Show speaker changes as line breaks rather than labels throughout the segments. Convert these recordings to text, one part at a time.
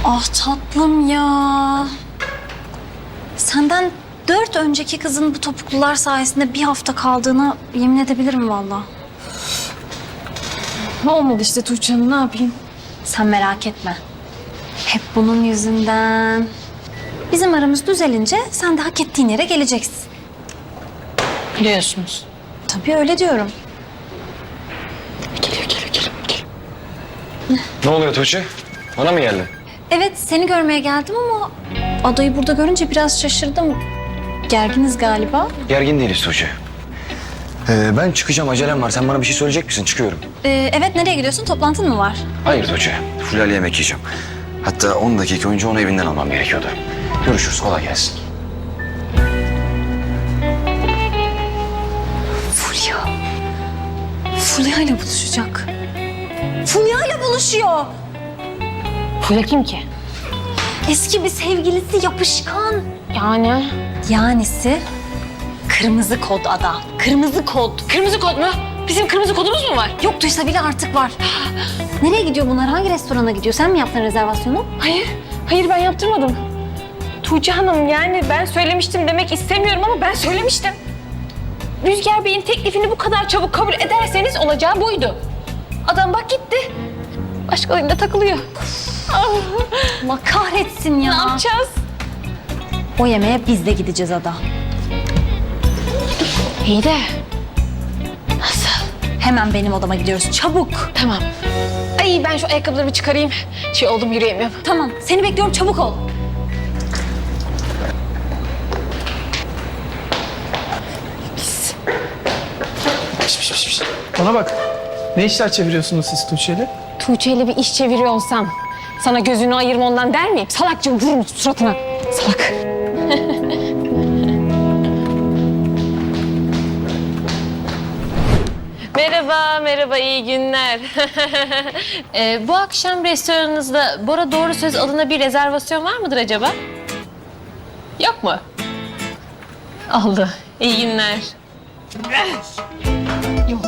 Ah tatlım ya. Senden 4 önceki kızın bu topuklular sayesinde bir hafta kaldığına yemin edebilirim valla.
Olmadı işte Tuğçe Hanım, ne yapayım?
Sen merak etme. Hep bunun yüzünden. Bizim aramız düzelince sen de hak ettiğin yere geleceksin.
Biliyorsunuz.
Tabii öyle diyorum.
Geliyor.
Ne oluyor Tuğçe? Bana mı geldin?
Evet seni görmeye geldim ama adayı burada görünce biraz şaşırdım. Gerginiz galiba.
Gergin değiliz Tuğçe. Ben çıkacağım, acelem var. Sen bana bir şey söyleyecek misin? Çıkıyorum.
Evet nereye gidiyorsun? Toplantın mı var?
Hayır Tuğçe. Fulya'yla yemek yiyeceğim. Hatta 10 dakika önce onu evinden almam gerekiyordu. Görüşürüz, kolay gelsin.
Fulya. Fulya ile buluşacak. Fulya ile buluşuyor.
Fulya kim ki?
Eski bir sevgilisi yapışkan.
Yani?
Yanisi kırmızı kod ada. Kırmızı kod.
Kırmızı kod mu? Bizim kırmızı kodumuz mu var?
Yoktuysa bile artık var. Nereye gidiyor bunlar? Hangi restorana gidiyor? Sen mi yaptın rezervasyonu?
Hayır ben yaptırmadım. Tuğçe Hanım, yani ben söylemiştim demek istemiyorum ama ben söylemiştim. Rüzgar Bey'in teklifini bu kadar çabuk kabul ederseniz olacağı buydu. Adam bak gitti. Başkalarıyla takılıyor.
Allah kahretsin ya.
Ne yapacağız?
O yemeğe biz de gideceğiz ada.
İyi de. Nasıl?
Hemen benim odama gidiyoruz. Çabuk.
Tamam. Ay ben şu ayakkabılarımı çıkarayım. Şey oldum, yürüyemiyorum.
Tamam. Seni bekliyorum. Çabuk ol.
Bana bak. Ne işler çeviriyorsunuz siz Tuğçe'yle?
Tuğçe ile bir iş çeviriyor olsam sana gözünü ayırma ondan der miyim? Salakça vururum suratına. Salak. Merhaba, iyi günler. Bu akşam restoranınızda Bora Doğru Söz adına bir rezervasyon var mıdır acaba? Yok mu? Oldu. İyi günler. Yok.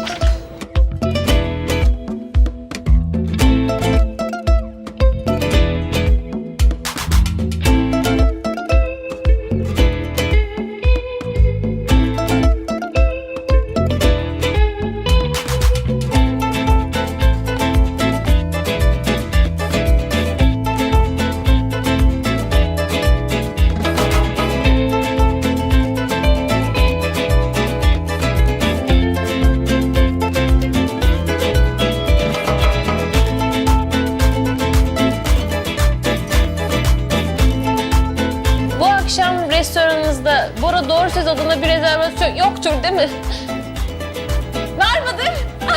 Bu akşam restoranınızda Bora Doğru Söz adına bir rezervasyon yoktur değil mi? Var mıdır?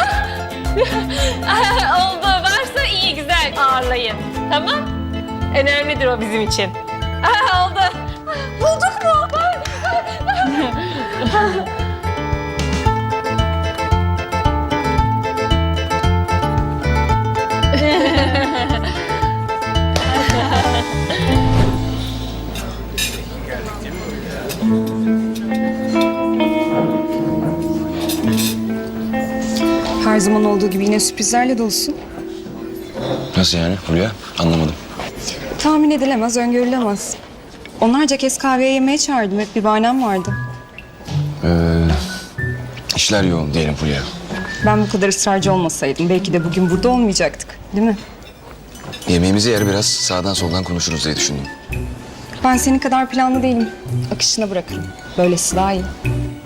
Oldu. Varsa iyi, güzel. Ağırlayın. Tamam? Önemlidir o bizim için. Oldu. Bulduk mu?
Her zaman olduğu gibi yine sürprizlerle dolusun.
Nasıl yani Fulya? Anlamadım.
Tahmin edilemez, öngörülemez. Onlarca kez kahveye yemeğe çağırdım. Hep bir bahanem vardı.
İşler yoğun diyelim Fulya.
Ben bu kadar ısrarcı olmasaydım belki de bugün burada olmayacaktık. Değil mi?
Yemeğimizi yer biraz sağdan soldan konuşuruz diye düşündüm.
Ben senin kadar planlı değilim. Akışına bırakırım. Böylesi daha iyi.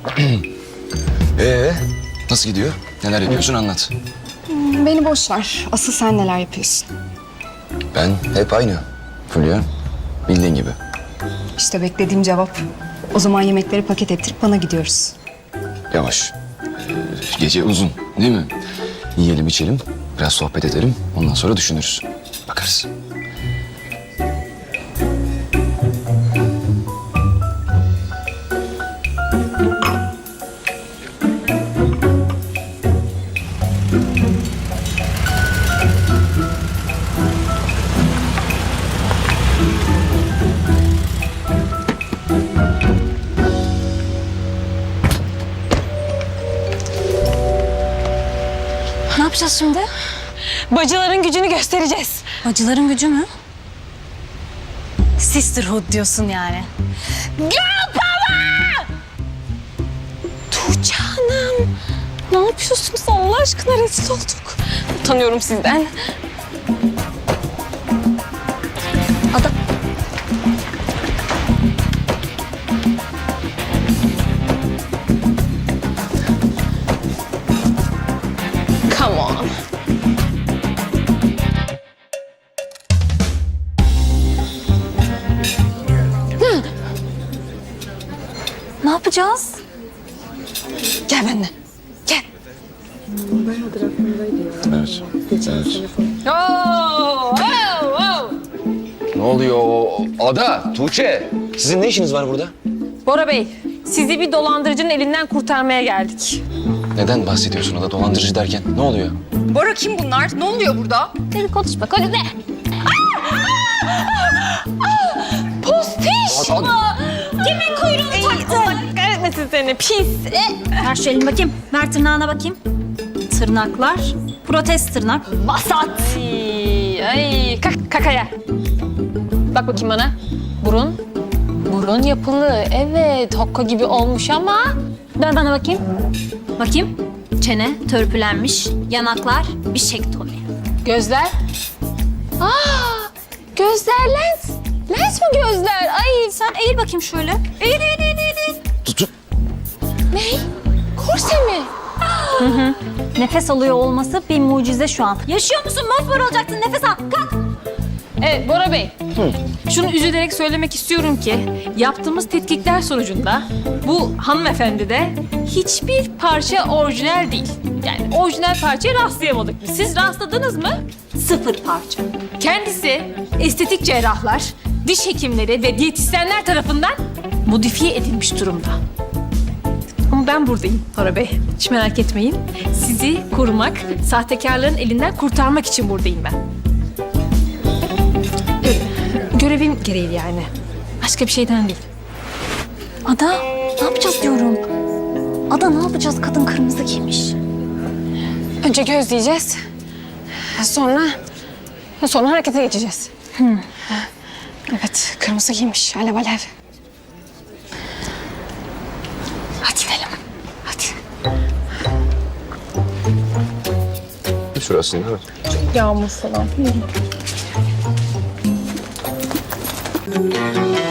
Nasıl gidiyor? Neler yapıyorsun anlat.
Beni boş ver. Asıl sen neler yapıyorsun?
Ben hep aynı Fulya. Bildiğin gibi.
İşte beklediğim cevap. O zaman yemekleri paket ettirip bana gidiyoruz.
Yavaş. Gece uzun değil mi? Yiyelim içelim, biraz sohbet edelim. Ondan sonra düşünürüz. Bakarız.
Ne yapacağız şimdi?
Bacıların gücünü göstereceğiz.
Bacıların gücü mü? Sisterhood diyorsun yani.
Girl power! Tuğçe Hanım. Ne yapıyorsunuz Allah aşkına, rezil olduk. Utanıyorum sizden.
Ada...
Come on.
Ne yapacağız?
Gel benimle. Gel.
Evet. Evet.
Oo, oo, oo.
Ne oluyor? Ada, Tuğçe. Sizin ne işiniz var burada?
Bora Bey, sizi bir dolandırıcının elinden kurtarmaya geldik.
Neden bahsediyorsun Ada? Dolandırıcı derken ne oluyor?
Bora kim bunlar? Ne oluyor burada?
Hadi konuşma, konuşma. Postiş
Ada-
mi? Kimin kuyruğunu taktın? Allah kahretmesin seni, pis.
Ver şu elini bakayım. Ver tırnağına bakayım. Tırnaklar. Protez tırnak. Vasat.
Ay, kakaya. Bak bakayım bana. Burun. Burun yapılı. Evet, hokka gibi olmuş ama...
Ver bana bakayım. Bakayım. Çene törpülenmiş. Yanaklar bişektomi.
Gözler. Aa, gözler lens. Lens mi gözler? Ay,
Sen eğil bakayım şöyle. Eğil, eğil, eğil, eğil.
Tutu.
ne? Korse mi?
Nefes alıyor olması bir mucize şu an. Yaşıyor musun? Mosmor olacaksın. Nefes al. Kalk.
Evet Bora Bey. Şunu üzülerek söylemek istiyorum ki yaptığımız tetkikler sonucunda bu hanımefendi de hiçbir parça orijinal değil. Yani orijinal parçaya rastlayamadık biz. Siz rastladınız mı?
Sıfır parça.
Kendisi estetik cerrahlar, diş hekimleri ve diyetisyenler tarafından modifiye edilmiş durumda. Ama ben buradayım Bora Bey. Hiç merak etmeyin. Sizi korumak, sahtekarların elinden kurtarmak için buradayım ben. Görevim gereği yani. Başka bir şeyden değil.
Ada ne yapacağız diyorum. Ada ne yapacağız? Kadın kırmızı giymiş.
Önce gözleyeceğiz. Sonra harekete geçeceğiz. Evet, kırmızı giymiş. Alev alev. Hadi gidelim. Hadi.
Şurası değil mi?
Yağmur falan.